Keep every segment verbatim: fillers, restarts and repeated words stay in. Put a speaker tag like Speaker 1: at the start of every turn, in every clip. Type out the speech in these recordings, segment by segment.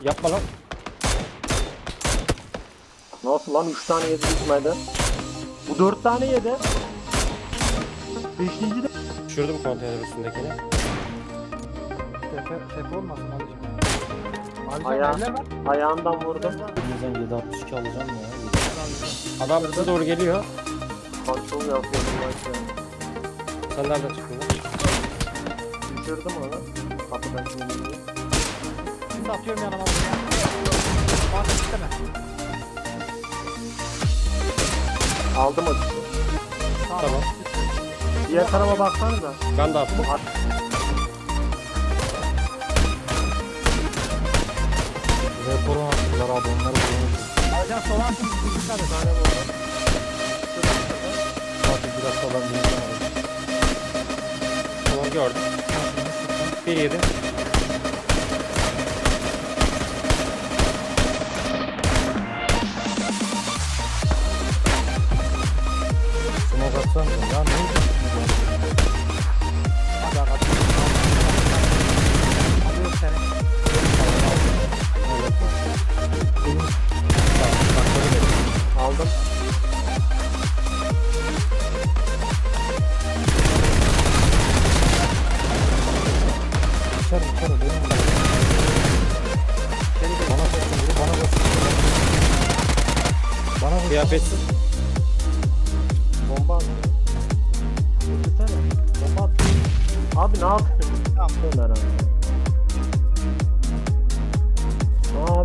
Speaker 1: Yapma lan.
Speaker 2: Nasıl lan üç tane yedi bitmedi. Bu dört tane yedi. Beşinci de.
Speaker 1: Düşürdüm konteyner üstündekini.
Speaker 3: Tepe, tepe olmasın Alican. Alican
Speaker 2: Ayağı-
Speaker 3: eller var.
Speaker 2: Ayağından vurdum.
Speaker 4: Bizden yedi altmış iki alacağım ya.
Speaker 1: Adam bize doğru geliyor.
Speaker 2: Kontrol yapıyorum başta.
Speaker 1: Sen nereden çıktın lan?
Speaker 2: Düşürdüm onu. Kapıdan şimdi.
Speaker 3: Şimdi atıyorum yanıma buraya. Bak isteme.
Speaker 2: Aldım o kişi.
Speaker 1: Tamam.
Speaker 2: Diğer tarafa baksanıza.
Speaker 1: Ben de attım.
Speaker 4: Reporu attılar abi onları bulmuş.
Speaker 3: Alican sola atın. Dikkat et.
Speaker 4: Hadi bir dakika ben bineceğim abi.
Speaker 1: Tamam gördüm. Bir yedi.
Speaker 4: Smoke atsanıza ya ne
Speaker 3: Hadi hadi. Alıyorum seni.
Speaker 2: Aldım.
Speaker 4: İçeri içeri benim de. Bana koşun biri bana koşun. Bana koşun.
Speaker 1: Kıyafetsiz.
Speaker 2: Bomba attı. Götürsene. Bomba attı. Abi ne yapıyorsun?
Speaker 3: Tamam.
Speaker 2: Ömer abi. Abi.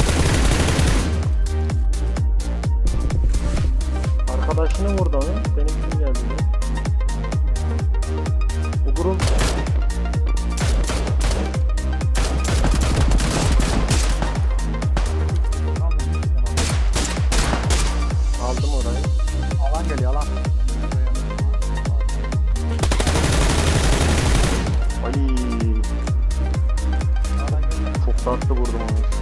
Speaker 2: Arkadaşını vurdu onu. Benim kim geldi? Bu grup aldım orayı.
Speaker 3: Alan geliyor alan.
Speaker 2: Ay
Speaker 3: Alan geliyor.
Speaker 2: çok tatlı vurdum onu.